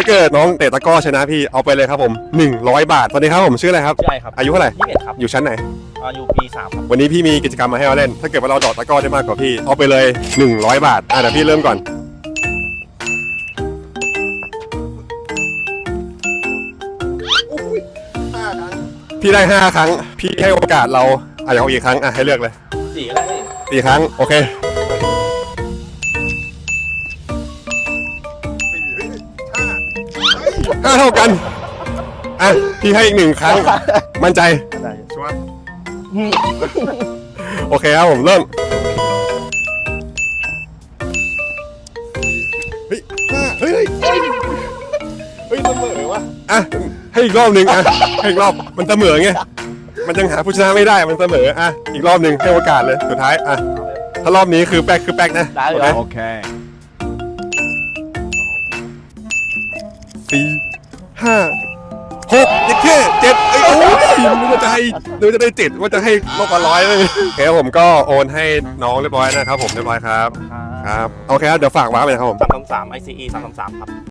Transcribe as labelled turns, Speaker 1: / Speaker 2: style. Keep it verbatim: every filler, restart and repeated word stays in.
Speaker 1: เกิดน้องเตะตะก้อชนะพี่เอาไปเลยครับผมหนึ่งร้อยบาทสวัสดีครับผมชื่ออะไรครับ
Speaker 2: ใช่ครับ
Speaker 1: อายุเท่าไหร่
Speaker 2: ยี่สิบเอ็ดครับ
Speaker 1: อยู่ชั้นไหน
Speaker 2: อายุปีสามครับ
Speaker 1: วันนี้พี่มีกิจกรรมมาให้เราเล่นถ้าเกิดว่าเราเดอกตะก้อได้มากกว่าพี่เอาไปเลยหนึ่งร้อยบาทอ่ะเดี๋ยวพี่เริ่มก่อนพี่ได้ห้าครั้งพี่ให้โอกาสเราอ่ะอยากเอาอีกครั้งอ่ะให้เลือกเลย
Speaker 2: สี่ก็ได้พี่
Speaker 1: สี่ครั้งโอเคห้าเท่ากันอ่ะพี่ให้อีกหนึ่งครั้งมั่นใจ
Speaker 2: ได้
Speaker 1: ชัวร์โอเคครับผมเริ่มเฮ้ยห้าเฮ้ยเฮ้ยเฮ้ยเสมอวะอ่ะให้อีกรอบหนึ่งอ่ะให้อีกรอบมันเสมอไงมันยังหาผู้ชนะไม่ได้มันเสมออ่ะอีกรอบหนึ่งให้โอกาสเลยสุดท้ายอ่ะถ้ารอบนี้คือแป๊กคือแป๊กนะ
Speaker 2: ได้เลย
Speaker 1: โอเคสี่ห้าหกเจ็ดแค่เจ็ดไอ้โอ้ยนึกว่าจะให้นึกว่าจะได้เจ็ดว่าจะให้ลบมาร้อยเลยโอเคผมก็โอนให้น้องเรียบร้อยนะครับผมเรียบร้อยครับครับโอเคครับเดี๋ยวฝากว้าไปนะครับผม
Speaker 2: สามสามสามไอซีอีสามสามสามครับ